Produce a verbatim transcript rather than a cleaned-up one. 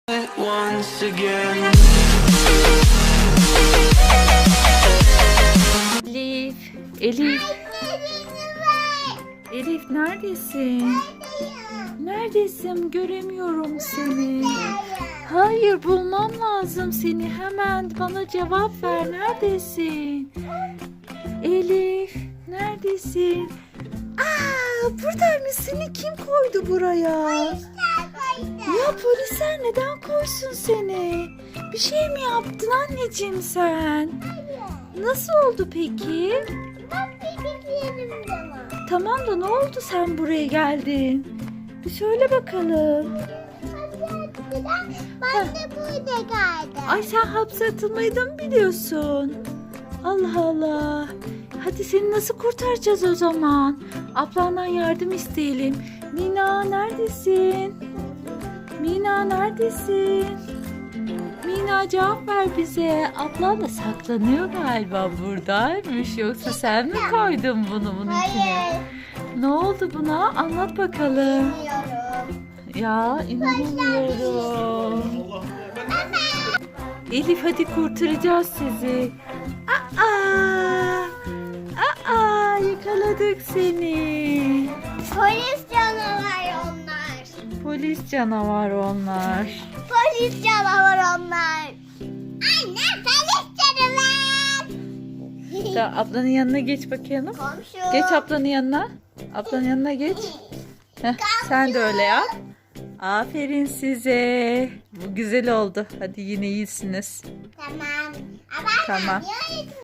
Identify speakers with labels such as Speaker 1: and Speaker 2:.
Speaker 1: Once again.
Speaker 2: Elif, Elif, Elif neredesin? Neredesin? Göremiyorum seni. Hayır, bulmam lazım seni. Hemen bana cevap ver. Neredesin? Elif, neredesin? Aa, buradaymış. Seni kim koydu buraya? Ya polisler neden koysun seni? Bir şey mi yaptın anneciğim sen? Nasıl oldu peki? Tamam da ne oldu sen buraya geldin? Bir söyle bakalım.
Speaker 3: Ben de burada geldim.
Speaker 2: Ay sen hapse atılmayı da mı biliyorsun? Allah Allah. Hadi seni nasıl kurtaracağız o zaman? Ablandan yardım isteyelim. Mina neredesin? Mina neredesin? Mina cevap ver bize. Ablan da saklanıyor galiba buradaymış. Yoksa sen mi koydun bunu bunun içine?
Speaker 3: Hayır.
Speaker 2: Ne oldu buna? Anlat bakalım.
Speaker 3: Bilmiyorum.
Speaker 2: Ya inanamıyorum. Elif hadi kurtaracağız sizi. Aa! Aa! Yakaladık seni.
Speaker 3: Polis canavar onlar.
Speaker 2: Polis canavar onlar.
Speaker 3: Polis canavar onlar. Anne polis canavar.
Speaker 2: Da ablanın yanına geç bakalım.
Speaker 3: Komşu.
Speaker 2: Geç ablanın yanına. Ablanın yanına geç. Heh, sen de öyle yap. Aferin size. Bu güzel oldu. Hadi yine iyisiniz.
Speaker 3: Tamam. Ama
Speaker 2: Tamam.
Speaker 3: ben